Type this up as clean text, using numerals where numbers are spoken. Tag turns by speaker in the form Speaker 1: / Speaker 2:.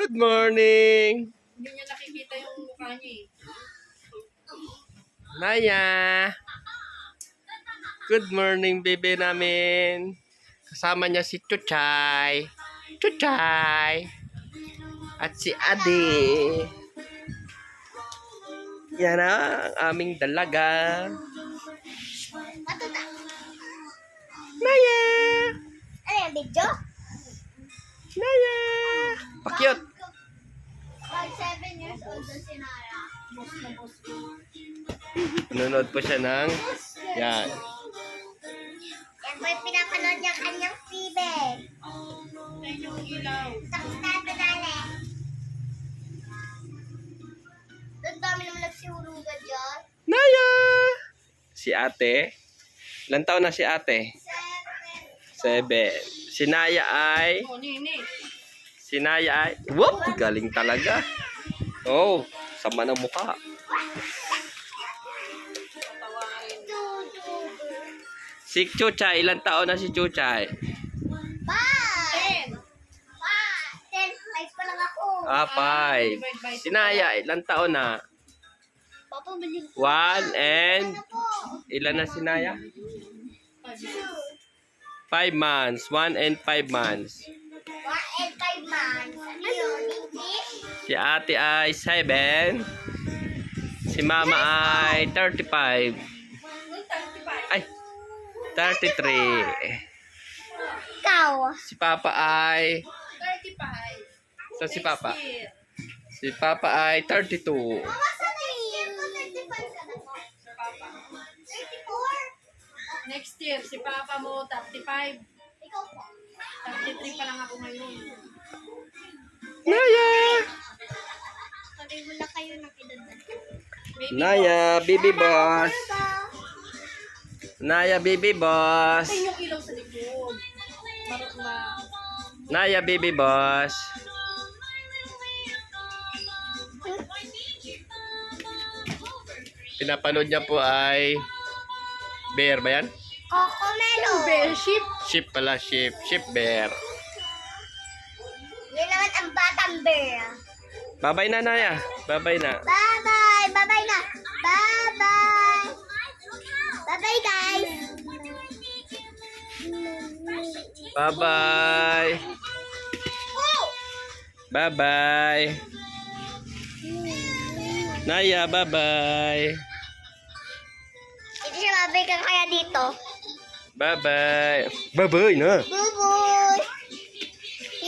Speaker 1: Good morning.
Speaker 2: Hindi niya nakikita yung mukha niya eh.
Speaker 1: Naya. Good morning, baby namin. Kasama niya si Chuchay. Chuchay. At si Ade. Yan ang aming dalaga. Naya.
Speaker 3: Ano yung video?
Speaker 1: Naya. Pakyut.
Speaker 3: Pag 7 years old na si Nara.
Speaker 1: Nanonood po siya ng yan.
Speaker 3: Yan po yung pinapanood niya kanyang TV.
Speaker 2: Tignan yung ilaw.
Speaker 3: Tapos na ito dali. Doon dami naman nagsihurugan dyan.
Speaker 1: Naya. Si ate. Ilan taon na si ate? 7.
Speaker 3: 7.
Speaker 1: Si Naya ay...
Speaker 2: Oh, nini.
Speaker 1: Si Naya ay... Whoop! Galing talaga. Oh, sama ng mukha.
Speaker 2: Tawain.
Speaker 1: Si Chuchay, ilan taon na si Chuchay?
Speaker 3: 5.
Speaker 2: 10.
Speaker 3: 5. 10. 5 pa lang ako.
Speaker 1: 5. Si Naya, ilan taon na?
Speaker 3: Papa, bilhin ko.
Speaker 1: 1 and...
Speaker 3: Ano po?
Speaker 1: Ilan na si Naya?
Speaker 3: 2.
Speaker 1: 5 months. 1 and 5 months.
Speaker 3: 1 and 5 months. Ano yun? English?
Speaker 1: Si ate ay 7. Si mama ay 35. Ay, 33.
Speaker 3: Ikaw.
Speaker 1: Si papa ay...
Speaker 2: 35.
Speaker 1: So si papa?
Speaker 2: Next year.
Speaker 1: Si papa ay 32.
Speaker 3: Mama, sana yun? 35 ka na po.
Speaker 2: Si Papa.
Speaker 3: 34?
Speaker 2: Next year, si Papa mo, 35.
Speaker 3: Ikaw po.
Speaker 2: 33 pa lang ako ngayon.
Speaker 1: Naya!
Speaker 3: Pareho lang kayo ng edad na.
Speaker 2: Baby
Speaker 1: Naya, baby boss. Naya, baby boss.
Speaker 2: Tignan yung ilaw sa likod. Marot ma.
Speaker 1: Naya, baby boss. Pinapanood niya po ay bear ba yan?
Speaker 3: Coco-melo.
Speaker 2: Bearship.
Speaker 1: Sheep pala, sheep. Sheep bear.
Speaker 3: Yun naman ang batang bear.
Speaker 1: Babay na, Naya. Babay na.
Speaker 3: Bye-bye. Bye-bye na. Bye-bye. Bye-bye, guys.
Speaker 1: Bye-bye.
Speaker 3: Oh!
Speaker 1: Bye-bye. Naya, bye-bye.
Speaker 3: Hindi siya mabigyan kaya dito.
Speaker 1: Bye-bye. Bye-bye na.
Speaker 3: Bye-bye.